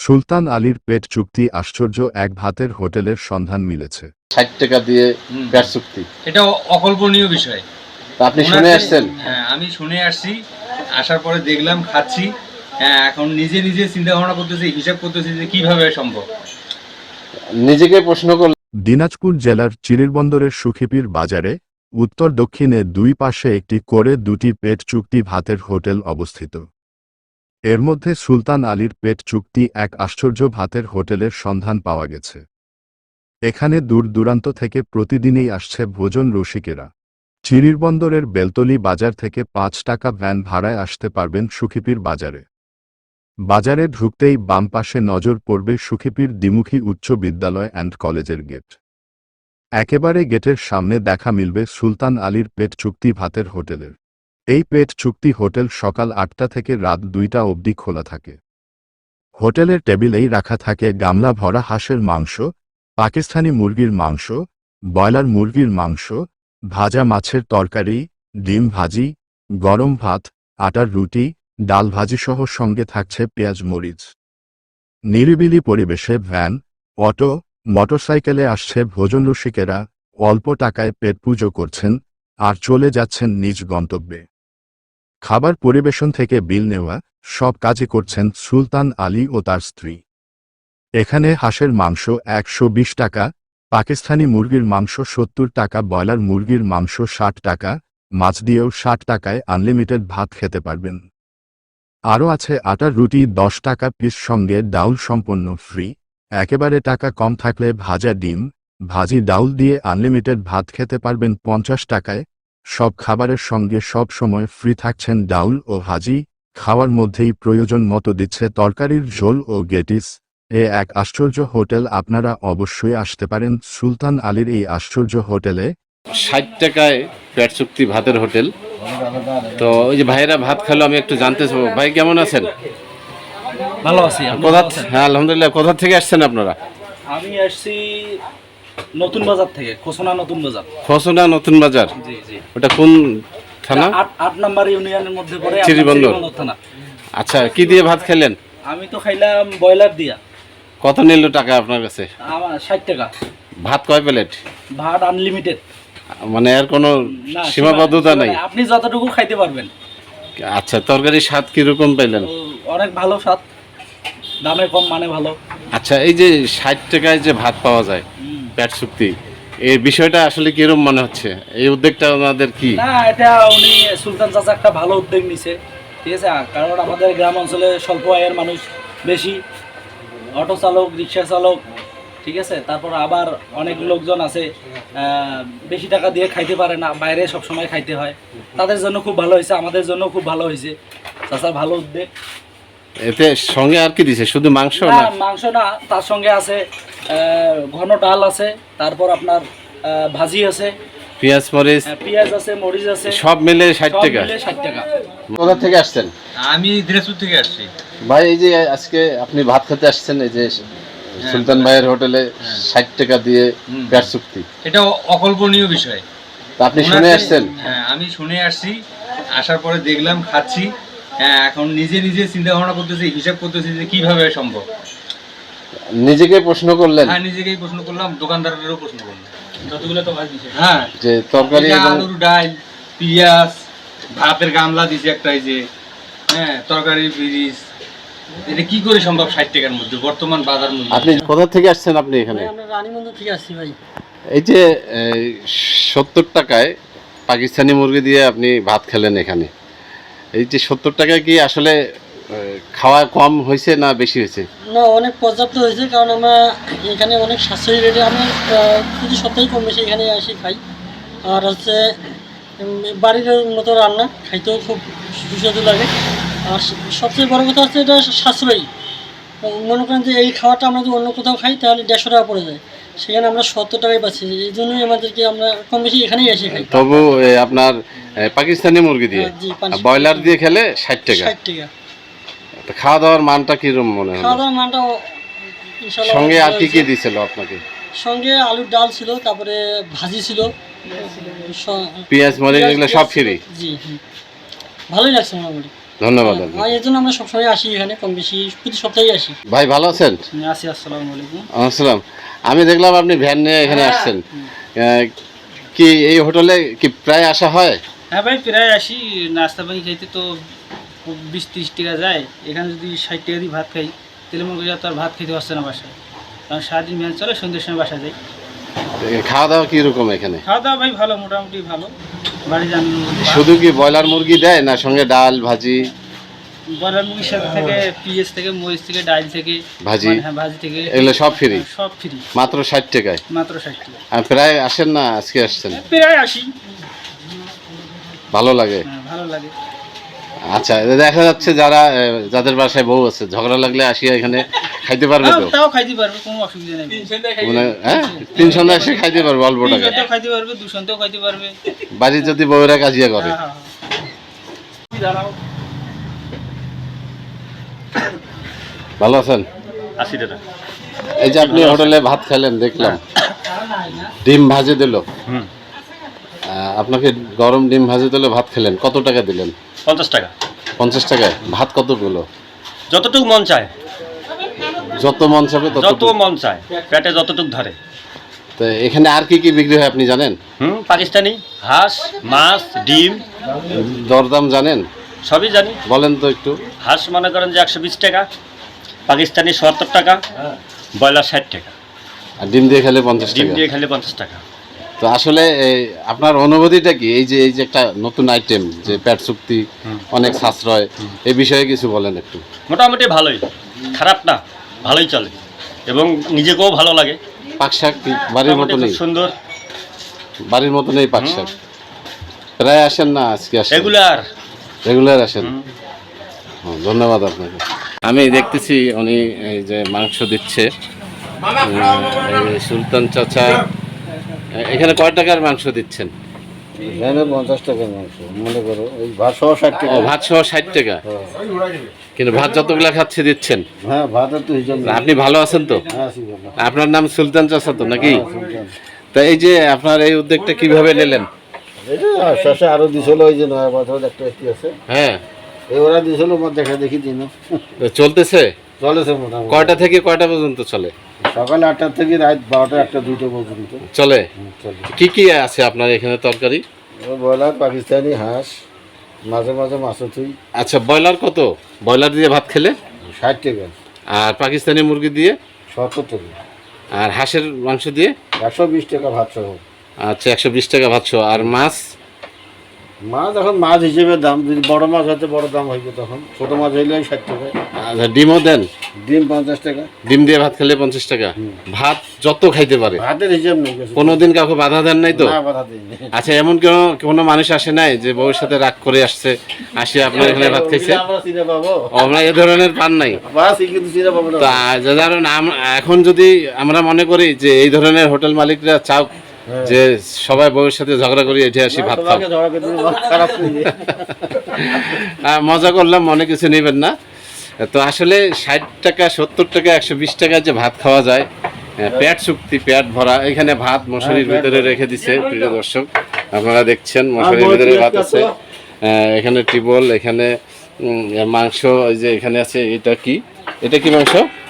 সুলতান আলীর পেট চুক্তি আশ্চর্য এক ভাতের হোটেলের সন্ধান মিলেছে। ৬০ টাকা দিয়ে পেট চুক্তি, এটা অকল্পনীয় বিষয়। আপনি শুনে আসছেন? হ্যাঁ, আমি শুনে আসছি, আসার পরে দেখলাম, খাচ্ছি। হ্যাঁ, এখন নিজে নিজে চিন্তা ভাবনা করতেছি, হিসাব করতেছি যে কিভাবে সম্ভব। নিজেকে প্রশ্ন করলেন। দিনাজপুর জেলার চিরিরবন্দরের সুখিপীর বাজারে উত্তর দক্ষিণে দুই পাশে একটি করে দুটি পেট চুক্তি ভাতের হোটেল অবস্থিত। এর মধ্যে সুলতান আলীর পেট চুক্তি এক আশ্চর্য ভাতের হোটেলের সন্ধান পাওয়া গেছে। এখানে দূর দূরান্ত থেকে প্রতিদিনই আসছে ভোজন রসিকেরা। চিরিরবন্দরের বেলতলি বাজার থেকে ৫ টাকা ভ্যান ভাড়ায় আসতে পারবেন সুখিপীর বাজারে। বাজারে ঢুকতেই বাম পাশে নজর পড়বে সুখিপীর দ্বিমুখী উচ্চ বিদ্যালয় অ্যান্ড কলেজের গেট। একেবারে গেটের সামনে দেখা মিলবে সুলতান আলীর পেট চুক্তি ভাতের হোটেলের। এই পেট চুক্তি হোটেল সকাল ৮টা থেকে রাত ২টা অবধি খোলা থাকে। হোটেলের টেবিলেই রাখা থাকে গামলা ভরা হাঁসের মাংস, পাকিস্তানি মুরগির মাংস, ব্রয়লার মুরগির মাংস, ভাজা মাছের তরকারি, ডিম ভাজি, গরম ভাত, আটার রুটি, ডাল ভাজিসহ সঙ্গে থাকছে পেঁয়াজ মরিচ। নিরিবিলি পরিবেশে ভ্যান, অটো, মোটরসাইকেলে আসছে ভোজনরসিকেরা, অল্প টাকায় পেট পুজো করছেন আর চলে যাচ্ছেন নিজ গন্তব্যে। খাবার পরিবেশন থেকে বিল নেওয়া সব কাজই করছেন সুলতান আলী ও তার স্ত্রী। এখানে হাঁসের মাংস ১২০ টাকা, পাকিস্তানি মুরগির মাংস ৭০ টাকা, ব্রয়লার মুরগির মাংস ৬০ টাকা, মাছ দিয়েও ৬০ টাকায় আনলিমিটেড ভাত খেতে পারবেন। আরও আছে আটার রুটি ১০ টাকা পিস, সঙ্গে ডাউল সম্পন্ন ফ্রি। একেবারে টাকা কম থাকলে ভাজা ডিম, ভাজি ডাউল দিয়ে আনলিমিটেড ভাত খেতে পারবেন ৫০ টাকায়। সব খাবারের সঙ্গে সব সময় ফ্রি থাকছেন ডাউল ও ভাজি। খাওয়ার মধ্যেই প্রয়োজন মতো দিচ্ছে তরকারির ঝোল ও গেটিস। এক আশ্চর্য হোটেল। আপনারা অবশ্যই আসতে পারেন সুলতান আলীর এই আশ্চর্য হোটেলে। ৬০ টাকায় পেট চুক্তি ভাতের হোটেল। তো ওই যে ভাইয়েরা ভাত খেলো, আমি একটু জানতে চাবো, ভাই কেমন আছেন? ভালো আছি। হ্যাঁ আলহামদুলিল্লাহ। কোথা থেকে আসছেন আপনারা? আমি আসছি নতুন বাজার থেকে, খোসনা নতুন বাজার। খোসনা নতুন বাজার? জি জি। ওটা কোন থানা? ৮ নাম্বার ইউনিয়নের মধ্যে পড়ে, চিরিবন্দর থানা। আচ্ছা, কি দিয়ে ভাত খেলেন? আমি তো খাইলাম ব্রয়লার দিয়া। কত নিল টাকা আপনার কাছে? আমার ৬০ টাকা। ভাত কয় প্লেট? ভাত আনলিমিটেড, মানে এর কোনো সীমাবদ্ধতা নেই? আপনি যতটুকু খাইতে পারবেন। আচ্ছা, তরকারির স্বাদ কিরকম পেলেন? অনেক ভালো স্বাদ, দামে কম, মানে ভালো। আচ্ছা, এই যে ৬০ টাকায় যে ভাত পাওয়া যায় পেট চুক্তি, এই বিষয়টা আসলে কিরকম মনে হচ্ছে? এই উদ্যোগটা ওনাদের কি? না, এটা উনি সুলতান চাচা একটা ভালো উদ্যোগ নিছে, ঠিক আছে। কারণ আমাদের গ্রাম অঞ্চলে স্বল্প আয়ের মানুষ বেশি, অটো চালক, রিক্সা চালক, ঠিক আছে। তারপর আবার অনেক লোকজন আছে বেশি টাকা দিয়ে খাইতে পারে না, বাইরে সব সময় খাইতে হয়। তাদের জন্য খুব ভালো হয়েছে, আমাদের জন্য খুব ভালো হয়েছে। চাচার ভালো উদ্যোগ। এতে সঙ্গে আর কি দিছে? শুধু মাংস? না, না, মাংস না, তার সঙ্গে আছে ঘন ডাল আছে, তারপর আপনার ভাজি আছে, পেঁয়াজ মরিচ, পেঁয়াজ আছে, মরিচ আছে, সব মিলে ৬০ টাকা। ৬০ টাকা। কোথা থেকে আসছেন? আমি দিনাজপুর থেকে আসছি। ভাই, এই যে আজকে আপনি ভাত খেতে আসছেন এই যে সুলতান ভাইয়ের হোটেলে ৬০ টাকা দিয়ে পেট চুক্তি, এটা অকল্পনীয় বিষয়। আপনি শুনে আসছেন? হ্যাঁ, আমি শুনে আসছি, আসার পরে দেখলাম, খাচ্ছি। হ্যাঁ, এখন নিজে নিজে চিন্তা ভাবনা করতেছি, হিসাব করতেছি যে কিভাবে সম্ভব। নিজেকে প্রশ্ন করলেন? হ্যাঁ, নিজেকেই প্রশ্ন করলাম, দোকানদারেরও প্রশ্ন করলাম। যতগুলো তো ভাত দিছে, হ্যাঁ, যে তরকারি, আলুর ডাল, পেঁয়াজ, ভাতের গামলা দিছে একটা, এই যে হ্যাঁ, তরকারি, ফ্রিজ, এটা কি করে সম্ভব ৬০ টাকার মধ্যে বর্তমান বাজার মূল্য? আপনি কোথা থেকে আসছেন? আপনি এখানে? আমরা রানীগঞ্জ থেকে আসছি ভাই। এই যে ৭০ টাকায় পাকিস্তানি মুরগি দিয়ে আপনি ভাত খেলেন এখানে, এই যে ৭০ টাকায় কি আসলে খাওয়া কম হয়েছে না বেশি হয়েছে? না, অনেক পর্যাপ্ত হয়েছে, কারণ আমরা এখানে অনেক সাশ্রয়ী রেটে, আমরা প্রতি সপ্তাহে কম বেশি এখানে আসি খাই। আর হচ্ছে বাড়ির মতো রান্না, খাইতেও খুব সুস্বাদু লাগে। আর সবচেয়ে বড় কথা হচ্ছে এটা সাশ্রয়ী। মনে করেন যে এই খাওয়াটা আমরা যদি অন্য কোথাও খাই তাহলে ১৫০ টাকা পড়ে যায়, সেখানে আমরা ৭০ টাকায় পাচ্ছি। এই জন্যই আমাদেরকে, আমরা কম বেশি এখানেই এসে খাই। তবু আপনার পাকিস্তানি মুরগি দিয়ে, ব্রয়লার দিয়ে খেলে ৬০ টাকা। ৬০ টাকা। খাওয়া দাওয়ার মানটা কিরকম মনে হয়? খাওয়া দাওয়ার মানটা ইনশাআল্লাহ। সঙ্গে আর কি কি দিয়েছিল আপনাকে? সঙ্গে আলুর ডাল ছিল, তারপরে ভাজি ছিল, পেঁয়াজ মরিচ, এগুলো সব ফ্রি? জি, ভালোই লাগছে মোটামুটি। ধন্যবাদ আপনাকে। আর এর জন্য আমরা সবসময় আসি এখানে, কম বেশি প্রতি সপ্তাহেই আসি। ভাই ভালো আছেন? আসি, আসসালামু আলাইকুম। আসসালাম। আমি দেখলাম আপনি ভ্যান নিয়ে এখানে আসছেন, কি এই হোটেলে কি প্রায় আসা হয়? হ্যাঁ ভাই, প্রায় আসি। নাস্তা পানি খাইতে তো 20-30 টাকা যায়। এখানে যদি 60 টাকা দিয়ে ভাত খাই, তাহলে মনে করি তো আর ভাত খেতে পারছে না বাসায়, কারণ সারাদিন ভ্যান চলে, সন্ধ্যের সময় বাসা যাই। খাওয়া দাওয়া কীরকম এখানে? খাওয়া দাওয়া ভাই ভালো, মোটামুটি ভালো। বাড়ি যান, শুধু কি ব্রয়লার মুরগি দেয় না সঙ্গে ডাল ভাজি? ব্রয়লার মুরগির সাথে থেকে পেঁয়াজ থেকে, মরিচ থেকে, ডাল থেকে, ভাজি? হ্যাঁ ভাজি থেকে, এগুলো সব ফ্রি? সব ফ্রি, মাত্র 60 টাকায়? মাত্র 60 টাকা। আর প্রায় আসেন না, আজকে আসছেন? প্রায় আসি। ভালো লাগে? হ্যাঁ ভালো লাগে। আচ্ছা, দেখা যাচ্ছে যারা যাদের বাসায় বউ আছে, ঝগড়া লাগলে আসিয়া এখানে খাইতে পারবে তো? তাও খাইতে পারবে, কোনো অসুবিধা নেই। মানে হ্যাঁ, 3 সন্ধ্যা এসে খাইতে পারবে অল্প টাকায়? 300 খাইতে পারবে, 200 খাইতে পারবে। বাড়ির যদি বউরা কাজিয়া করে? হ্যাঁ হ্যাঁ হ্যাঁ। ভালো আছেন? 80 টাকা। এই যে আপনি হোটেলে ভাত খেলেন দেখলাম, ডিম ভাজি দিল, আপনাকে গরম ডিম ভাজি দিল, ভাত খেলেন, কত টাকা দিলেন? 50 টাকা। 50 টাকায় ভাত কতগুলো? যতটুকু মন চায়, যত মন চাবে যত তত। মন চায়, পেটে যতটুকু ধরে। তো এখানে আর কি কি বিক্রি হয় আপনি জানেন? পাকিস্তানি হাঁস, মাছ, ডিম দরদাম জানেন? সবই জানি। বলেন তো একটু। হাঁস মনে করেন যে 120 টাকা, পাকিস্তানি 70 টাকা, ব্রয়লার 60 টাকা, আর ডিম দিয়ে খেলে 50 ডিম টাকা। দিয়ে খেলে 50 টাকা। তো আসলে আপনার অনুভূতিটা কি, এই যে একটা নতুন আইটেম যে পেট চুক্তি, অনেক সাশ্রয়, এই বিষয়ে কিছু বলেন একটু। মোটামুটি ভালোই, খারাপ না, ভালোই চলে এবং নিজেকেও ভালো লাগে। পাক শাক কি বাড়ির মোটামুটি মতো খুব নেই? সুন্দর, বাড়ির মতো নেই পাক শাক? প্রায় আসেন না আজকে আসেন? রেগুলার। রেগুলার আসেন? ধন্যবাদ আপনাকে। আমি দেখতেছি উনি এই যে মাংস দিচ্ছে, এই সুলতান চাচা। এখানে কয় টাকার মাংস দিচ্ছেন? এখানে 50 টাকার মাংস, মনে করো ওই ভাত সহ 60 ও, টাকা। ভাত সহ 60 টাকা? কিন্তু ভাত যতগুলা খাচ্ছে দিচ্ছেন? হ্যাঁ, ভাতের তো হিসাব নেই। আপনি ভালো আছেন তো? হ্যাঁ, আছি ভালো। আপনার নাম সুলতান চাচা তো নাকি? সুলতান। তা এই যে আপনার এই উদ্যোগটা কিভাবে নিলেন? এটা শেষে আরো দিছিল, ওই যে নয়া বছর একটা একটি আছে, হ্যাঁ, এই ওরা দিছিল, মোট দেখা দেখি দিন তো চলতেছে? চলেছে মোটামুটি। কয়টা থেকে কয়টা পর্যন্ত চলে? সকাল 8টা থেকে রাত 12টা, 1টা, 2টা পর্যন্ত চলে? চলে। কি কি আছে আপনার এখানে তরকারি? ব্রয়লার, পাকিস্তানি হাঁস, মাঝে মাঝে মাছও থুই। আচ্ছা, ব্রয়লার কত? ব্রয়লার দিয়ে ভাত খেলে? 60 টাকা। আর পাকিস্তানি মুরগি দিয়ে? 70 টাকা। আর হাঁসের মাংস দিয়ে? 120 টাকা ভাত সহ। আচ্ছা, 120 টাকা ভাত সহ। আর মাছ? মাছ এখন মাছ হিসেবে দাম, যদি বড় মাছ হয়তো বড় দাম হইবে, তখন ছোট মাছ হইলে 60 টাকা। আচ্ছা, ডিমও দেন? ডিম 50 টাকা। ডিম দিয়ে ভাত খেলে 50 টাকা? ভাত যত খাইতে পারে? ভাতের হিসাব নেই কিছু। কোনোদিন কাউকে বাধা দেন নাই তো? না, বাধা দিইনি। আচ্ছা, এমন কোনো মানুষ আসে নাই যে বউর সাথে রাগ করে আসছে, আসে আপনার এখানে ভাত খাইছে? আমরা চিনে পাবো? আমরা এ ধরনের পান নাই? বাস, কিন্তু চিনে পাবো না। তা কারণ এখন যদি আমরা মনে করি যে এই ধরনের হোটেল মালিকরা চাও যে সবাই বউয়ের সাথে ঝগড়া করি এঠে আসি ভাত খাও, তোমাকে ঝগড়া করতে দিলে খারাপ লাগে। মজা করলাম, মনে কিছু নেবেন না। তো আসলে 60 টাকা, 70 টাকা, 120 টাকা যে ভাত খাওয়া যায়, পেট চুক্তি, পেট ভরা। এখানে ভাত মশারির ভিতরে রেখে দিছে, প্রিয় দর্শক আপনারা দেখছেন, মশারির ভিতরে ভাত আছে। এখানে টিবল, এখানে মাংস, এই যে এখানে আছে, এটা কি মাংস?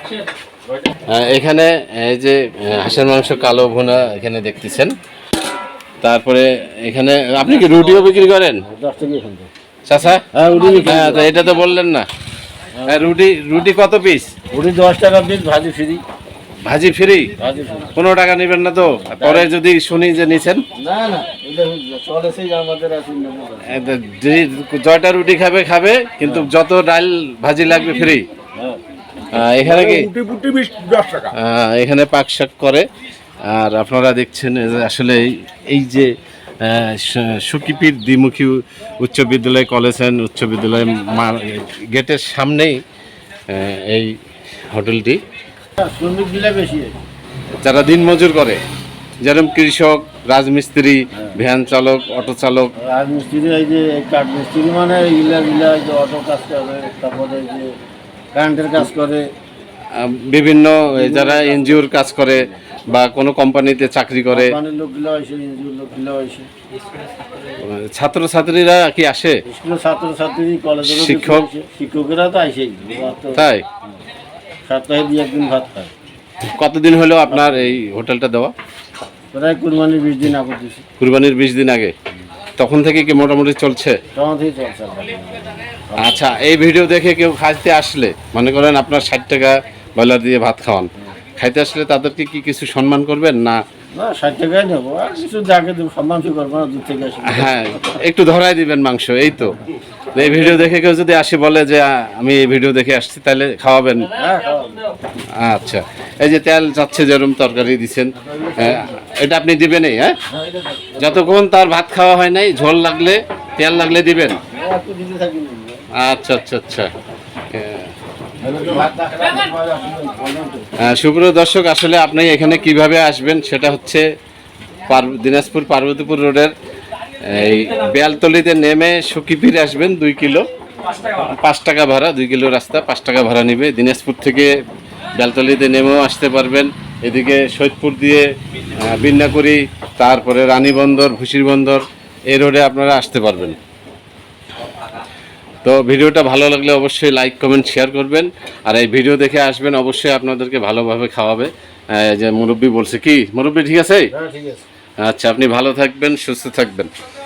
এখানে এই যে হাঁসের মাংস কালো ভুনা এখানে দেখতেছেন। তারপরে এখানে আপনি কি রুটিও বিক্রি করেন 10 টাকা এখান থেকে। চাচা? হ্যাঁ, হ্যাঁ, তো এটা তো বললেন না। রুটি কত পিস? উড়ি 10 টাকা পিস, ভাজি ফ্রি। ভাজি ফ্রি? ভাজি ফ্রি। 15 টাকা নেবেন না তো? পরে যদি শুনি যে নিছেন? না না, এটা চলেছে আমাদের আছে। জয়টা রুটি খাবে, কিন্তু যত ডাল ভাজি লাগবে ফ্রি। এখানে কি এখানে পাক শাক করে। আর আপনারা দেখছেন যে আসলে এই যে সুকিপির দ্বিমুখী উচ্চ বিদ্যালয়, কলেজ অ্যান্ড উচ্চ বিদ্যালয় গেটের সামনেই এই হোটেলটি। শ্রমিক দিলে বেশি। যারা দিনমজুর করে, যেরকম কৃষক, রাজমিস্ত্রি, ভ্যান চালক, অটো চালক, রাজমিস্ত্রি, এই যে কাঠ মিস্ত্রি, মানে ইলা যে অটো কাজ করে, তারপরে এই যে কারেন্টের কাজ করে, বিভিন্ন যারা এনজিওর কাজ করে, বা কোনো কোম্পানিতে চাকরি করে? কোম্পানির লোকগুলো আসে, এনজিওর লোকগুলো আসে, ছাত্রছাত্রীরা কি আসে? স্কুলের ছাত্রছাত্রী, কলেজের শিক্ষক? শিক্ষকেরা তো আসেই, তাই? সপ্তাহে 2-1 দিন ভাত খায়। কতদিন হলো আপনার এই হোটেলটা দেওয়া? প্রায় কুরবানির 20 দিন আগে দিছি, কুরবানির 20 দিন আগে। তখন থেকে কি মোটামুটি চলছে? তখন থেকেই চলছে আলহামদুলিল্লাহ। আচ্ছা, এই ভিডিও দেখে কেউ খাইতে আসলে, মনে করেন আপনার 60 টাকা ব্রয়লার দিয়ে ভাত খাওয়ান, খাইতে আসলে তাদেরকে কি কিছু সম্মান করবেন না? না, 60 টাকাই নেবো, আর কিছু যাকে দেবো, সম্মান কি করবো না, দূর থেকে আসি। হ্যাঁ, একটু ধরাই দিবেন মাংস, এই তো। এই ভিডিও দেখে কেউ যদি আসি বলে যে আমি এই ভিডিও দেখে আসছি, তাহলে খাওয়াবেন? হ্যাঁ, খাওয়াবো। আচ্ছা, এই যে তেল যাচ্ছে, যেরকম তরকারি দিচ্ছেন, এটা আপনি দিবেনই? হ্যাঁ, যতক্ষণ তার ভাত খাওয়া হয় নাই, ঝোল লাগলে, তেল লাগলে দিবেন? একটু দিতে থাকি না। আচ্ছা আচ্ছা আচ্ছা। সুপ্রিয় দর্শক, আসলে আপনি এখানে কিভাবে আসবেন সেটা হচ্ছে দিনাজপুর পার্বতীপুর রোডের এই বেলতলিতে নেমে সখীপীর আসবেন 2 কিলো, 5 টাকা ভাড়া, 2 কিলো রাস্তা 5 টাকা ভাড়া নিবে। দিনাজপুর থেকে বেলতলিতে নেমেও আসতে পারবেন, এদিকে সৈয়দপুর দিয়ে বিন্যাকুড়ি, তারপরে রানীবন্দর, ভুসির বন্দর, এই রোডে আপনারা আসতে পারবেন। তো ভিডিওটা ভালো লাগলে অবশ্যই লাইক কমেন্ট শেয়ার করবেন, আর এই ভিডিও দেখে আসবেন, অবশ্যই আপনাদেরকে ভালোভাবে খাওয়াবে। যে মুরব্বি বলছে, কি মুরব্বি ঠিক আছে? হ্যাঁ, ঠিক আছে। আচ্ছা, আপনি ভালো থাকবেন, সুস্থ থাকবেন।